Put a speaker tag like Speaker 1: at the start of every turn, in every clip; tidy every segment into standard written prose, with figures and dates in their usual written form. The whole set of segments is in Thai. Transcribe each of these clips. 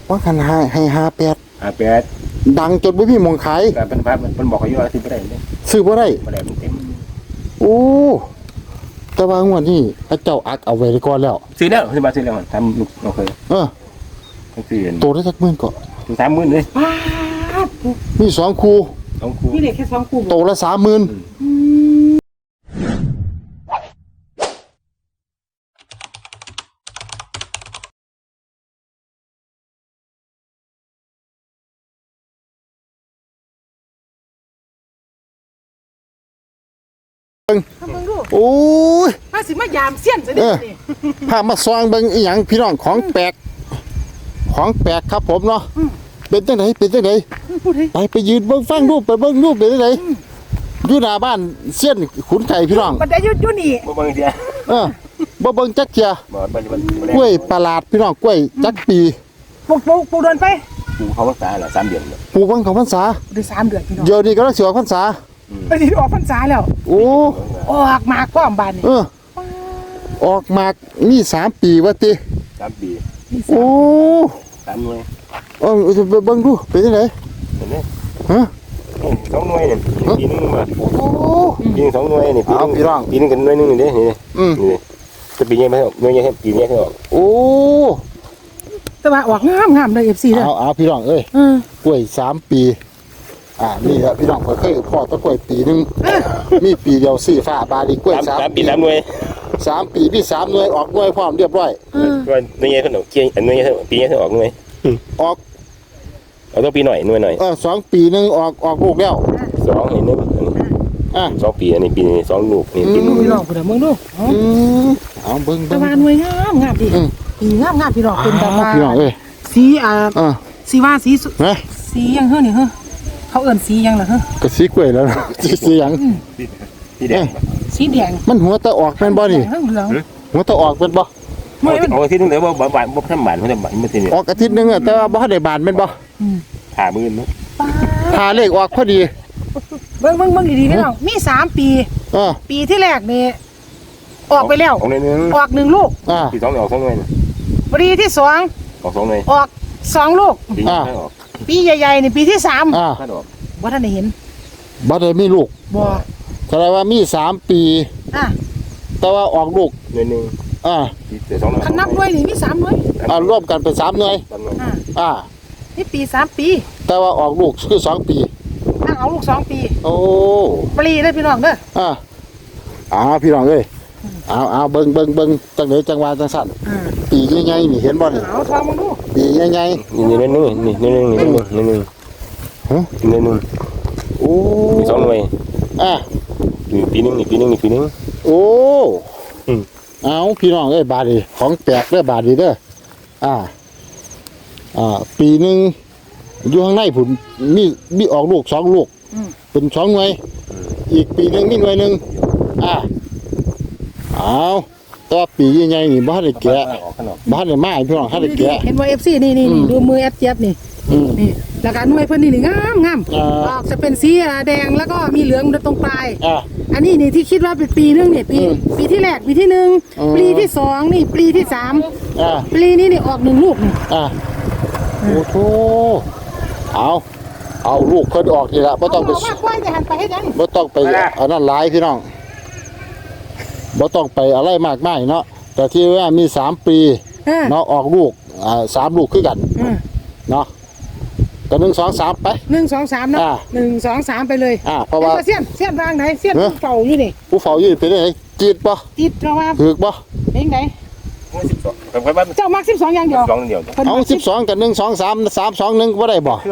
Speaker 1: ว่าคันให้
Speaker 2: 58
Speaker 1: ดังจนบ่มีหม่องขาย
Speaker 2: ก็เป็นบอกเขาอยู่ว่าซื้อบ่ได้เลย
Speaker 1: ซื้อบ่ได้
Speaker 2: บ่ได้มันเต็ม
Speaker 1: โอ้แต่ว่างวดนี้พระเจ้าอักเอาไว้ก่อนแล้ว
Speaker 2: ซื้อแล้วซื้อมาซื้อแล้วทำลูกเราเคยซื้อ
Speaker 1: โตได้สักหมื่นก็
Speaker 2: 30,000เลย
Speaker 1: มี2คู่
Speaker 3: มีเหล็กแค่2คู่
Speaker 1: โตละ30,000โอ้ย
Speaker 3: มาสิมายามเสี้ยนซะดิ
Speaker 1: พามาซองเบิ่งอีหยังพี่น้องของแปลกครับผมเนาะเป็นจังไดไปยืนเบิ่งฟังรูปไปเบิ่งรูปเป็นจังไดอยู่หน้าบ้านเสี้ยนขุนไก่พี่น้อง
Speaker 3: มันได้อยู่นี่
Speaker 2: บ่เบิ่งเดีย
Speaker 1: บ่เบิ่งจักเที่ยกล้วยประหลาดพี่น้องกล้วยจักปี
Speaker 3: ปลูกเดินไป
Speaker 2: ปลูกเขาพรรษาละ3เดือน
Speaker 1: ปลูกวันเขาพรรษา
Speaker 3: ได้3เดือนพี่น้อง
Speaker 1: เดี๋ยวนี้ก็ต้องสิออกพรรษา
Speaker 3: ไปสิออกพรรษาแล้ว
Speaker 1: โอ้
Speaker 3: ออกมากพร้อมบ้านนี่
Speaker 1: ออกมากมี3ปีว่าติ
Speaker 2: 3ปี
Speaker 1: โอ้
Speaker 2: 3หน่วย
Speaker 1: ไปเบิ่งดูเป็นจังได
Speaker 2: เห็นมั้ย
Speaker 1: ฮะ
Speaker 2: 2หน่วยนี่ปีนึงมา
Speaker 1: โอ้
Speaker 2: ปี2หน่วยนี่ปีนึงกันหน่วยนึงนี่นี่จะปีนี้มั้ยหน่วยนี้ปีนี้ให้ออก
Speaker 1: โอ้
Speaker 3: แต่ว่าออกงามๆเด้อ FC เด้อ
Speaker 1: เอาพี่น้องเอ้ยกล้วย3ปีนี่ครับพี่น้องเคยพ่อตะกล้วยปีนึงมีปีเดียวสีฟ้าบาดีกล้วย
Speaker 2: 3ปี3หน่วย
Speaker 1: 3ปีมี3หน่วยออกหน่วยพร้อมเรียบร้อย
Speaker 2: ก็หน่วยนี้เพิ่นออกเกี่ยอันหน่วยนี้ปีนี้เพิ่นออกหน่วย
Speaker 1: ออก
Speaker 2: เอาต้องปีหน่อยหน่วยหน่อย
Speaker 1: 2ปีนึงออกลูกแล้ว
Speaker 2: 2นี่นึง2ปีอันนี้ปีนี้2ลูกนี่
Speaker 3: ปีนึงพี่น้องพุ่นน่ะมึงดู
Speaker 1: เอาเบิ่ง
Speaker 3: แต่ว่าหน่วยงามดิปีงามพี่น้องเป็นแบบว่า
Speaker 1: พี่น้องเอ้ย
Speaker 3: สีสีว่าสียังเฮ้อนี่เฮ้อเขาเอิ้นสียังล่ะเฮ้อ
Speaker 1: ก็สีกล้วยแล้วสีหยัง
Speaker 2: สีแดง
Speaker 1: มันหัวตะออกแม่นบ่นี่หัวตะออกเป็นบ่
Speaker 2: ออกอาทิตย์นึงแล้วบ่ทำบานบ่สิ
Speaker 1: ออกอาทิตย์นึงแต่ว่าบ่ได้บานแม่นบ่
Speaker 2: หามื้อนึง
Speaker 1: หาเลขออกพอดี
Speaker 3: เบิ่งดีๆพี่น้องมี3ปีปีที่แรกนี่ออกไปแล้วออก1ลูก
Speaker 2: ปี2ออก2หน่วย
Speaker 3: ปีที่2
Speaker 2: ออก2หน่วย
Speaker 3: ออก2ลูกปีใหญ่ๆนี่ปีที่3บ่ทันได้เห็น
Speaker 1: บ่ได้มีลูก
Speaker 3: บ่
Speaker 1: แสดงว่ามี3ปีแต่ว่าออกลูก
Speaker 2: หน่วยนึง
Speaker 3: คันนับหน่วยนี่มี3หน่วย
Speaker 1: รวมกันเป็น3หน่วย
Speaker 3: นี่ปี3ปี
Speaker 1: แต่ว่าออกลูกคือ2ปี
Speaker 3: เอาลูก2ปี
Speaker 1: โอ้
Speaker 3: ปลีเด้อพี่น้องเด้
Speaker 1: อพี่น้องเอ้ยเอาเบิ่งจังได๋จังว่าจังสั่นปีใหญ่ๆนี่เห็นบ่นี่
Speaker 3: เอาทองมาดู
Speaker 1: ปีใหญ่ๆ
Speaker 2: นี่นึง
Speaker 1: โอ้
Speaker 2: 2หน่วยปีนึง
Speaker 1: โอ้เอาพี่น้องเอ้ยบาดนี่ของแปลกเด้อบาดนี่เด้อปีนึงอยู่ข้างในผุนมีออกลูก2ลูกเป็น2หน่วยอีกปีนึงมีหน่วยนึงเอาตัวปีใหญ่ๆนี่บ่ได้แกะบ่ได้มาพี่น้องได้แกะ
Speaker 3: เห็นว่า FC นี่ดูมือแอดเจี๊ยบนี่แล้วก็หน่วยเพิ่นนี่งามออกจะเป็นสีแดงแล้วก็มีเหลืองตรงปลายอันนี้นี่ที่คิดว่าเป็นปีนึงนี่ปีที่แรกปีที่1ปีที่2นี่ปีที่3ปีนี้นี่ออก1ลูกนี่
Speaker 1: โอ้โธเอาลูกเพิ่นออกนี่ล่ะบ่ต้องไปบ่ต้องไปอันนั้นหลายพี่น้องบ่ต้องไปอะไรมากมายเนาะแต่ที่ว่ามี3ปีเนาะออกลูก3ลูกคือกันเนาะก็1 2 3ไป
Speaker 3: 1 2 3เนาะ1 2 3ไปเลย
Speaker 1: เพราะว่า
Speaker 3: เสี้ยนทางไหนเสี้ยนผู้เฝ้าอยู่นี่
Speaker 1: ผู้เฝ้าอยู่เป็นไงจีดบ่
Speaker 3: จีดเพราะว่า
Speaker 1: ถูกบ่
Speaker 3: เป็นไงเจ้ามัก12อย่างเดียว
Speaker 1: เอา12กับ1 2 3 3 2 1บ่ได้บ่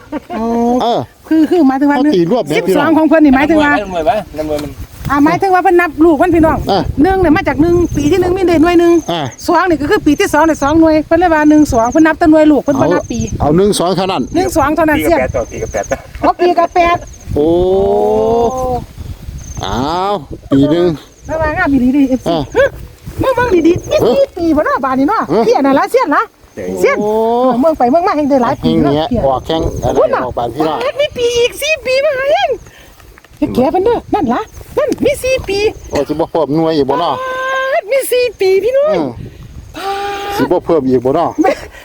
Speaker 3: คือหมายถึงว่า12ของเพิ่นนี่หมายถึงว่าหมายถึงว่าเพิ่นนับลูกเพิ่นพี่น้อง1เนี่ยมาจาก1ปีที่1มีได้หน่วยนึง2นี่ก็คือปีที่2ได้2หน่วยเพิ่นเลยว่า1 2เพิ่นนับแต่หน่วยลูกเพิ่นบ่นับปี
Speaker 1: เอา1 2เท่านั้น
Speaker 3: 1 2เท่านั้นเสีย
Speaker 2: ปีกับ8
Speaker 3: ปีกับ8
Speaker 1: โอ้เอาปีนึง
Speaker 3: ระวังงามดีๆ FC เบิ่งดีๆนี่ปีบ่เนาะบาดนี้เนาะเสี้ยนน่ะล่ะเสี้ยนเมืองไปเมืองมาแห่งได้หลายปี
Speaker 1: แล้วออกแข่งอะไรออกบานพี่น้อง
Speaker 3: มีปีอีก4ปีมาเองแกเพิ่นเด้อนั่นล่ะนั่นมี4ปี
Speaker 1: โอ้สิบ่เพิ่มหน่วยอีกบ่เนาะ
Speaker 3: มี4ปีพี่น้อง
Speaker 1: สิบ่เพิ่มอีกบ่เนาะ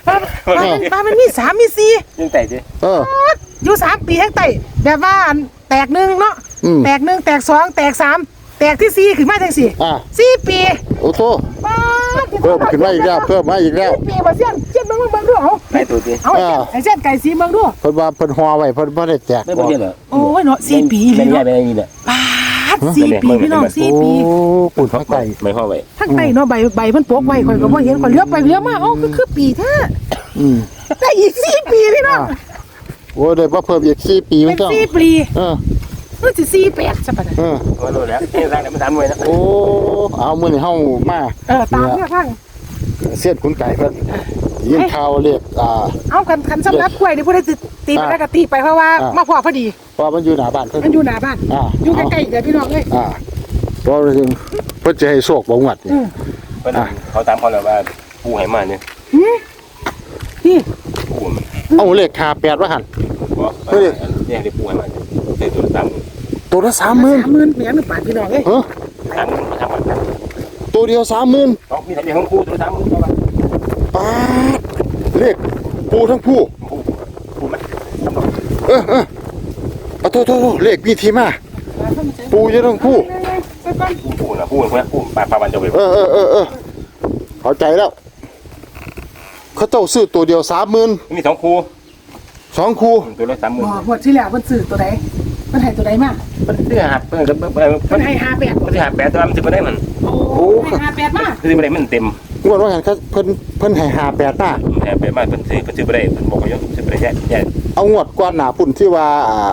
Speaker 3: ว่ามันมี3มี4
Speaker 2: ยังแต่ดิ
Speaker 3: อยู่3ปีแห่งไต่แบบว่าอันแตกหนึ่งเนาะแตก1แตก2แตก3แตกที่4ขึ้นมาจัง4ปี
Speaker 1: โอ้โหเพิ่มขึ้นมาอีกแล้วเพิ่มมาอีกแล้ว
Speaker 3: ปีบ่เสี้ยนเบิ่งดูเอา
Speaker 2: ไก่ตัวดิ
Speaker 3: เอาไอ้เส้นไก่สีเบิ่งดู
Speaker 1: เพิ่นว่าเพิ่นห่อไว้เพิ่นบ่ได้แจก
Speaker 2: ไม่บ่เห็นเหรอ
Speaker 3: โอ้ยเนาะ4ปี
Speaker 2: เป็
Speaker 3: เล
Speaker 2: น
Speaker 3: ย
Speaker 2: ใหญ่
Speaker 3: เนาะ
Speaker 2: เป็นอย่างนี้เนี่ย
Speaker 3: 4ปีพี่น้อง4ปี
Speaker 1: โอ้ปุ่นทั้งไต
Speaker 2: ไม่ห่อไว้
Speaker 3: ทั้งไตเนาะใบเพิ่นโปกไว้ข่อยก็บ่เห็นข่อยเลี้ยวไปเลี้ยวมาเอ้าคือปีแท้ได้อีก4ปีพี่น้อง
Speaker 1: โอ้ได้บ่เพิ่มอีก4ปีมันต้อง
Speaker 3: 4ปีมันสิ48ซะปะเนี่ย
Speaker 2: ก็รู้แล้วนี่ร่างเนี่ยมันทำไว้นะ
Speaker 1: โอ้เอามื้อนี้เฮามา
Speaker 3: ตามเนี่ยข้าง
Speaker 1: เสียดขุนไก่เพิ่นยินข่าวเรียก
Speaker 3: เอาคันสำนักกล้วยนี่ผู้ใดตีไปแล้วก็ตีไปเพราะว่ามาพอดี
Speaker 1: เพราะมันอยู่หน้าบ้านเพิ่น
Speaker 3: มันอยู่หน้าบ้านอยู่ใกล้ๆเดี๋ยวพี่น้องเอ้ย
Speaker 1: เพราะเพิ่นจะให้โชคบ่งวดนี่
Speaker 2: เขาตามเขาแล้วว่าปูให้มาเนี่ย
Speaker 3: นี่
Speaker 2: ปูมัน
Speaker 1: เอาเลข58ว่าหั่น
Speaker 2: เนี่ยเดี๋ยวปูให้มาเดี๋ยวตัวตาม
Speaker 1: ตัวละ 30,000
Speaker 3: 30,000แม่นบาทพี่น้องเอ้ย
Speaker 2: ตามมาทำกัน
Speaker 1: ตัวเดียว 30,000
Speaker 2: ต้องมีทะเบียนของปูตัวตามปูว่า
Speaker 1: ป๊าดเลขปูทั้งผู้
Speaker 2: ปูมันทำหรอก
Speaker 1: เอาโทษเลขมีที่มาปูอยู่ทั้งผู้
Speaker 3: ไปก่อน
Speaker 2: ปูนะปูคนนี้ปูปลาวันจะไป
Speaker 1: เข้าใจแล้วเขาเจ้าซื้อตัวเดียว 30,000
Speaker 2: มี2คู่
Speaker 1: 2คู่
Speaker 2: ตัวละ30,000
Speaker 3: หมดที่แล้วเพิ่นซื้อตัวใดเพิ่นให้ตัวใดมา
Speaker 2: มันซื้อหับเพิ่นก็
Speaker 3: เพิ่นให้58
Speaker 2: มันซื้อหับ8ตัวมันซื้อบ่ได้มัน
Speaker 3: โอ้ให้58มา
Speaker 2: ซื้อบ่ได้มันเต็ม
Speaker 1: งวดว่างั้นครับเพิ่นให้58มา
Speaker 2: แถมไปมาเพิ่นซื้อบ่ได้เพิ่นบอกว่าซื้อบ่ได้แย่
Speaker 1: เอางวดก่อนหน้าพุ่นที่ว่า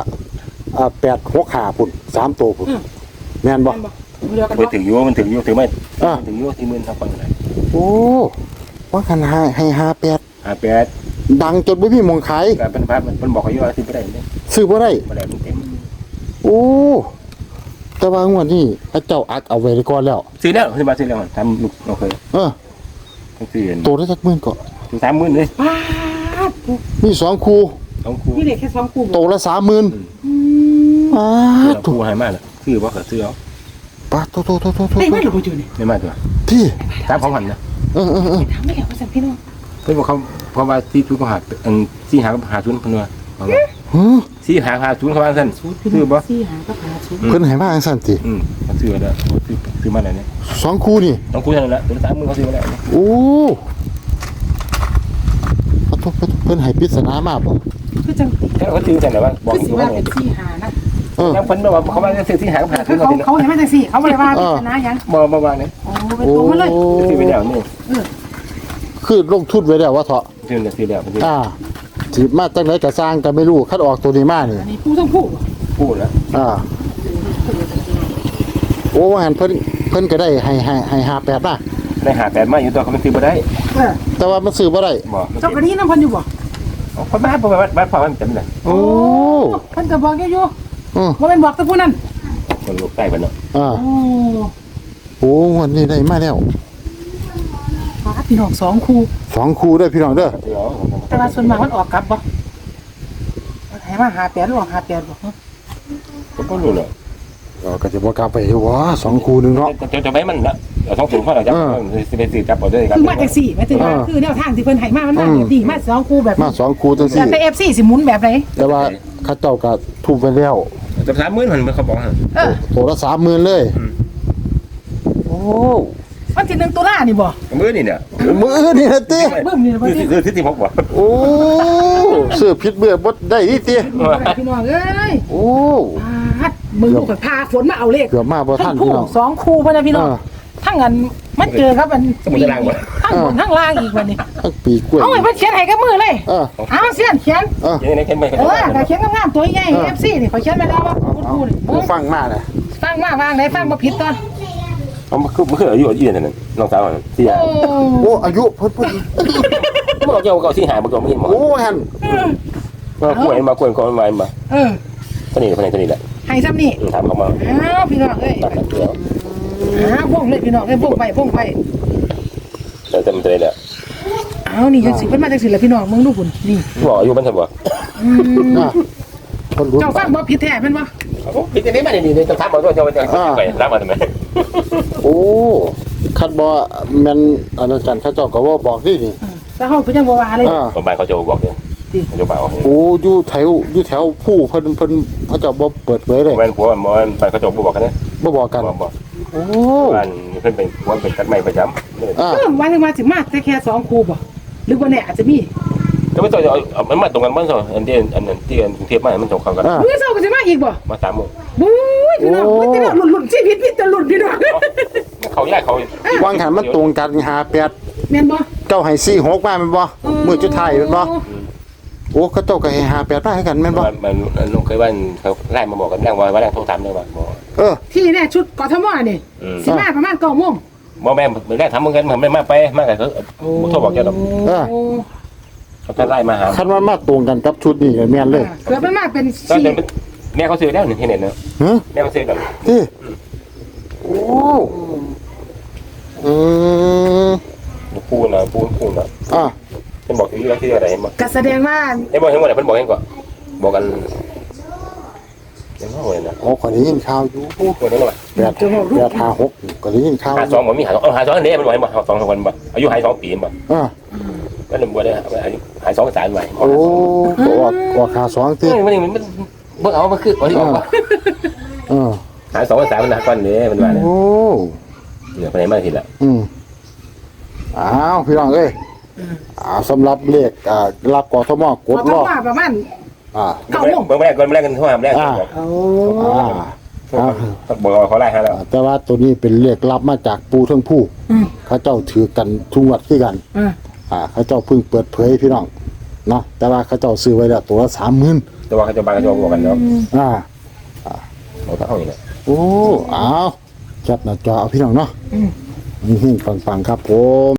Speaker 1: 865พุ่น3ตัวพุ่นแม่นบ่
Speaker 3: เดียวกัน
Speaker 2: มัน
Speaker 3: บ่
Speaker 2: ถึงอยู่มันถึงอยู่ถึงไม่ถึงอยู่ที่10,000ทางฝั่งไหน
Speaker 1: โอ้ว่าคันให้58
Speaker 2: 58
Speaker 1: ดังจนบ่มีหมองขาย
Speaker 2: ก็เป็นภาพมันบอกอยู่ว่าซื้อบ่ได้เนี่ย
Speaker 1: ซื้อบ่ได้
Speaker 2: บ่ได้มันเต็ม
Speaker 1: โอ้แต่ว่างวดนี้พระเจ้าอักเอาไว้ก่อนแล้ว
Speaker 2: ซื้อแล้วซื้อมาซื้อแล้วทำลูกเราเคยต้องซื้อ
Speaker 1: ตัวละจักหมื่นก็
Speaker 2: ถึง30,000เลย
Speaker 3: ป้าด
Speaker 1: มี2คู่
Speaker 2: 2คู่
Speaker 3: พี่เด็กแค่2คู่
Speaker 1: ตัวละ 30,000ป๊าด
Speaker 2: คู่ให้มาแล้วซื้อบ่ก็ซื้อเอา
Speaker 1: ป๊าดโต
Speaker 3: ได้ไหมหรือบ่จูนี่
Speaker 2: ได้มาตัว
Speaker 1: พี่
Speaker 2: ตามของหันนะ
Speaker 3: ถามไม่แล้วว่าซั่นพี่น้อง
Speaker 2: เพิ่นบอกเขาเพราะว่าที่ทุกข์หาที่หากับหาทุนเพิ่นว่า ที่หาทุนเขาว่าซั่นซื้อบ่
Speaker 3: 4หาก็หาศูนย์
Speaker 1: เพิ่นให้มาจังซั่นติ
Speaker 2: ซื้อแล้วซื้อมาแล้วเนี่ย
Speaker 1: 2คู่นี่
Speaker 2: ต้องคุยกันแล้วตัว30,000เขาซื้อมาแล้ว
Speaker 1: โอ้ขอโทษเพิ่นให้ปริศนามาบ่
Speaker 3: คือจัง
Speaker 2: เขาซื้อกันแล้วว่าบอก
Speaker 3: คือ
Speaker 2: อ
Speaker 3: สิ
Speaker 2: ยู่
Speaker 3: ว่า
Speaker 2: ว่า
Speaker 3: เป็น4หานะ
Speaker 2: แล้วเพิ่นบอกว่าเขาว่าซื้อที่หากับหาทุน
Speaker 3: เขาเห็นมาจังซี่เขาบ่ได้ว่าเป็นชนะหยัง
Speaker 2: บ่ว่าเนี่ย
Speaker 3: โอ้เป็นตัวมาเลย
Speaker 2: ซื้อไปแล้วนี่
Speaker 1: คือลงทุนไว้แล้วว่าเถาะ
Speaker 2: ซื้อแล้วซื้อ
Speaker 1: สิมาจังได๋ก็สร้างก็ไม่รู้คัดออกตัวนี้มานี่
Speaker 3: อันนี้ผู้ต้องผู้
Speaker 2: พูดแล้ว
Speaker 1: โอ้ว่าหั่นเพิ่นก็ได้ให้58มา
Speaker 2: ได้หา8มาอยู่ตัวเขาไม่ซื้อบ่ได้
Speaker 1: แต่ว่ามันซื้อบ่ได้
Speaker 2: บ่
Speaker 3: เจ้ากะนี้นำเพิ่นอยู่บ่
Speaker 2: คนบ้านบ้านพ่อมันเต็มเลย
Speaker 1: โอ้
Speaker 3: เพิ่นก็บอกอยู่บ่แม่นบอกแต่ผู้นั้น
Speaker 2: คนลูกใต้เพิ่นเนาะ
Speaker 3: โอ้
Speaker 1: โอ้วันนี้ได้มาแล้ว
Speaker 3: พี่น้อง2คู่
Speaker 1: 2คู่เด้อพี่น้องเด้อ
Speaker 3: แต่ว่าส่วนมากมันออกกลับบ่ให้มา58หรือออก58บ่
Speaker 2: ผมก็รู้เลย
Speaker 1: ก็จะบ่กลับไปอยู่ว่า2คู่นึงเนาะ
Speaker 2: จะไม่มันละเราต้องสูงเพราะเราจะไปสื่อจับเอาด้วยครับ
Speaker 3: คือมาจังซี่หมายถึงว่าคือแนวทางที่เพิ่นให้มามันมาแบบนี้มา2คู่แบบ
Speaker 1: มา2คู่จังซี่
Speaker 3: แต่ FC สิหมุนแบบไหน
Speaker 1: แต่ว่าเขาเจ้าก็ทุบไปแล้ว
Speaker 2: จะ30,000มันเขาบอกฮะ
Speaker 1: ตัวละ 30,000เลยโอ้
Speaker 3: วันที่1ตุลานี่บ่
Speaker 2: มื้อนี่เนี่ย
Speaker 1: มื้อนี่นะติ
Speaker 3: เบิ่มนี่บ่ที่
Speaker 2: คือที่16บ่
Speaker 1: โอ้ซื้อผิดเบื่อบ่ได้ดิติ
Speaker 3: พี่น้องเอ้ย
Speaker 1: โอ้
Speaker 3: พาดมึงลูกพาฝนมาเอาเลข
Speaker 1: เกือบมาบ่ทั
Speaker 3: ทั้
Speaker 1: น
Speaker 3: ง
Speaker 1: พี่
Speaker 3: คู่
Speaker 1: น้อง
Speaker 3: 2คู่พุ่นน่ะพี่น้องทั้งอันมันเจอครับอันทั้งบนทั้งล่างอีกวันนี้
Speaker 1: ทั้งปีกล้วย
Speaker 3: เอาไว้เพิ่นเขียนให้กับมือเลย เอาเสียนเขียน
Speaker 2: ยังไงแค่ไม่
Speaker 3: ก็เขียนงามๆตัวใหญ่ FC นี่ข่อยเขียนมาแล้วว่าคุณครูนี่
Speaker 1: ผู้ฟังมาน่ะ
Speaker 3: ฟังมาวางได้ฟังบ่ผิดตัว
Speaker 2: เอามาคืออายุนั่นน้องสาวที่ยา
Speaker 1: โอ้อายุเพิ่น
Speaker 2: บ่เจ้าก็ที่หาบ่ก็ไม่หมอ
Speaker 1: โอ้หั่น
Speaker 2: มากล้วยมา สนิทแหละ
Speaker 3: ให้ซ้ำนี่
Speaker 2: ถามเขามา
Speaker 3: อ้าวพี่น้องเอ้ย
Speaker 2: ตัดเดียว
Speaker 3: วงเลยพี่น้องเอ้ยวงไป
Speaker 2: แต่มันจะได้แหละ
Speaker 3: เอานี่จังสิเพิ่นมาจังสิล่ะพี่น้องมึงดูพุ่นนี่
Speaker 2: บอกอายุมันจะบ่
Speaker 1: คนรู้
Speaker 3: เจ้าฟังบ่ผิดแท้แม่นบ่
Speaker 2: พี่จะได้มานี่จะถามมาด้วยจะไปรับมาทำไม
Speaker 1: โอ้คันบ่แม่นอันนั้นกันเขาเจ้าก็บ่บอกนี่
Speaker 3: แต่เฮาก็ยังบ่ว่าเลย
Speaker 2: คนบ้านเขาจะบอกเลยเขาจะบอก
Speaker 1: โอ้อยู่แถวผู้เพิ่นเขาจะบ่เปิดเผยเลย
Speaker 2: บ้านผัวบ้านเขาจะบอกกันนะ
Speaker 1: บ่บอกกัน
Speaker 2: บอก
Speaker 1: โอ้
Speaker 2: บ้านเพิ่นเป็นผัวเป็นตัดไม้ประจำ
Speaker 3: หมายถึงว่าสิมาแต่แค่2คู่บ่หรือว่าแน่อาจจะมี
Speaker 2: ก็ไม่ต้องเอามันมาตรงกันบ้างสิอันที่กรุงเทพมามันตรงกัน
Speaker 3: มื้อเช้าก็สิมาอีกบ่
Speaker 2: มา3 โมง
Speaker 3: บู๊ยพี่น้องมันจะหลุดชีวิตพี่จะหลุดพี่น้อง
Speaker 2: เขาแยกเขา
Speaker 1: วางหันมันตรงกัน58
Speaker 3: แม่นบ่
Speaker 1: เจ้าให้46มาแม่นบ่มื้อสุดท้ายแม่นบ่โอ้เขาเจ้าก็ให้58มาให้กันแม่นบ่
Speaker 2: มันลุงเคยว่าเขาไล่มาบอกกันแรงว่าแรงโทรถามเลยว่าบอก
Speaker 3: ที่แน่ชุดกทมนี่สิมาประมาณ9 โมง
Speaker 2: บอกแม่แรงทำเหมือนกันผมไม่มาไปมากแต่เขาโทรบอกแกหรอกเขาจะไล่มาหา
Speaker 1: คันว่ามาตรงกันกับชุดนี้ก็แม่นเลย
Speaker 3: เกือบเป็นมาเป็น
Speaker 2: ก็เดินแม่เขาซื้อแล้วหนึ่งที่เน็ตเนาะ
Speaker 1: ฮะ
Speaker 2: แม่เขาซื้อแล้ว
Speaker 1: ที่โอ้อืม
Speaker 2: ปูนนะ
Speaker 1: อ่ะ
Speaker 2: เป็นบอกที่ที่อะไรมา
Speaker 3: ก็แสดงว่า
Speaker 2: ไอ้บอกให้หมดเลยเพิ่นบอกให้ก่อนบอกกันยังว่าเลยนะ
Speaker 1: โอ้ก็ได้ยินข่าวอยู่
Speaker 2: คนนั้นว่า
Speaker 1: 856ก็ได้ยินข่าว
Speaker 2: 52บ่มี52อันนี้มันบอกให้บ่2 คนบ่อายุ52 ปีบ่ ก็เลยบ่ได้หาย2 สารไว้
Speaker 1: โอ้ก็ขา2ติ
Speaker 2: มันเบิ่งเอามาคือบ่ได้ออกว่าหาย2 สารมันนะก่อนนี้มันว่าเนี่ย
Speaker 1: โอ้
Speaker 2: เดี๋ยวไปไหนมาทีละ
Speaker 1: อ้าวพี่น้องเอ้ยสำหรับเลขรับกทมกดรอบ
Speaker 3: ประมาณ
Speaker 2: เบิ่งแรกก่อนแรกกันทั่วแรกบอกบอกเขาไล่ให้แล้ว
Speaker 1: แต่ว่าตัวนี้เป็นเลขรับมาจากปูทั้งผู้เขาเจ้าถือกันทุกวัดคือกันเขาเจ้าเพิ่งเปิดเผยพี่น้องเนาะแต่ว่าเขาเจ้าซื้อไว้แล้วตัวละ30,000
Speaker 2: แต่ว่าเขาจะบางเขาจะบอกกันเนาะ
Speaker 1: เรา
Speaker 2: ต้องเอาอย่างนี้
Speaker 1: โอ้อ้าวจับหน้าจอเอาพี่น้องเนาะนี่ฟังครับผม